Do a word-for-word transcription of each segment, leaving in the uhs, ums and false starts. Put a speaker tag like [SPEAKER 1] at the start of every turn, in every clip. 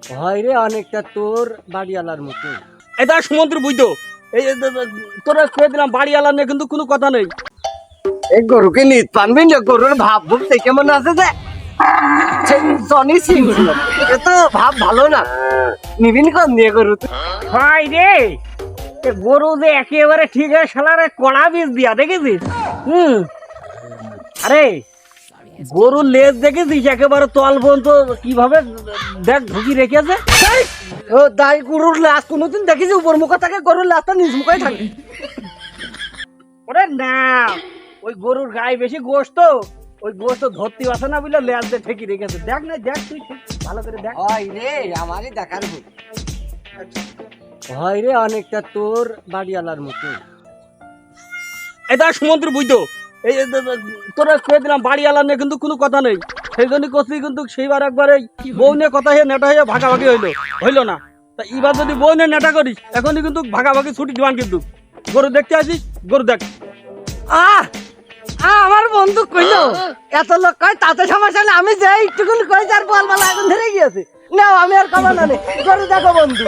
[SPEAKER 1] হয় রে অনেকটা তোর বাড়িওয়ালার মতো।
[SPEAKER 2] এটা সমুদ্র বুঝতো এই এ- এ- তোরা খেয়ে দিলাম বাড়িওয়ালা নিয়ে কিন্তু কোনো কথা নেই।
[SPEAKER 1] এই গরুকে নিত পানবি না, গরুর ভাব ভুব সে কেমন আছে যে জনি সিং ছিল, এ তো ভাব ভালো না। নিবিন কম দিয়ে গরু তুই?
[SPEAKER 2] হয় রে এ গরু যে একেবারে ঠিক আছে শালারে কড়া বীজ দিয়া দেখেছিস? হুম আরে গরুর লেজ দেখেছিস একেবারে তল পর্যন্ত কিভাবে দেখ ঢুকি রেখেছে।
[SPEAKER 1] ও দাই গরুর লাশ কোনোদিন দেখেছি উপর মুখে থাকে, গরুর লাশটা নিজ মুখে থাকে।
[SPEAKER 2] ওরে না ওই গরুর গায়ে বেশি গোস্ত, ওই গোস্ত ধরতে আসে না বুঝলে লেজ দিয়ে ঠেকি রেখেছে। দেখ না দেখ তুই ঠিক ভালো করে দেখ।
[SPEAKER 1] হয় রে আমারই দেখার ভুল। হয় রে অনেকটা তোর বাড়িওয়ালার মতো।
[SPEAKER 2] এটা সমুদ্র বুঝতো এই এ- এ- তোরা খেয়ে দিলাম বাড়িওয়ালা নিয়ে কিন্তু কোনো কথা নেই। সেই জন্য করছি কিন্তু সেইবার একবার এই বউ নিয়ে কথা হয়ে নেটা হয়ে ভাগাভাগি হইলো হইলো না। তা এবার যদি বউ নিয়ে নেটা করিস এখনই কিন্তু ভাগাভাগি ছুটি দিবান কিন্তু। গরু দেখতে আসিস গরু দেখ।
[SPEAKER 1] আহ আহ, আমার বন্ধু কইলো এত লোক কয় তাতে সমস্যা নেই, আমি যাই একটুকুন কই যার বল বলা আগুন ধরে গিয়েছে। না আমি আর কমা না নেই, গরু দেখো বন্ধু।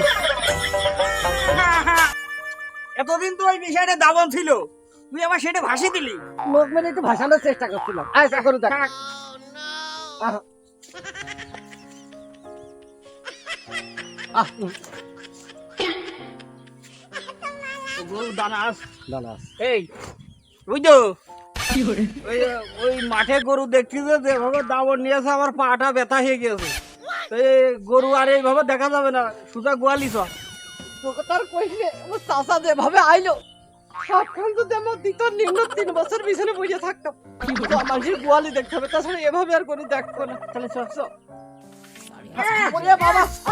[SPEAKER 2] এতদিন তো ওই বিষয়টা দাবন ছিল, তুই আবার সেটা ভাসি দিলি।
[SPEAKER 1] লোক মেরে একটু ভাসানোর চেষ্টা করছিলাম। আচ্ছা গরু দেখ। আহ, আহ, উম,
[SPEAKER 2] গরু দানাস
[SPEAKER 1] দাঁড়া।
[SPEAKER 2] এই বুঝতো ওই ওই মাঠে গরু দেখছি যে যেভাবে দাবন নিয়েছে আমার পাটা ব্যথা হয়ে গেছে। তো এই গরু আর এইভাবে দেখা যাবে না, সুজা গোয়ালি সব।
[SPEAKER 1] তোকে তার কইলে আমার চাচা যেভাবে আইলো সবখান যদি আমার দিত নিম্ন তিন বছর পিছনে বসে থাকতাম। তো মানুষের গোয়ালি দেখতে হবে, তাছাড়া এভাবে আর কোনো দেখবো না। তাহলে চল চল। ওরে বাবা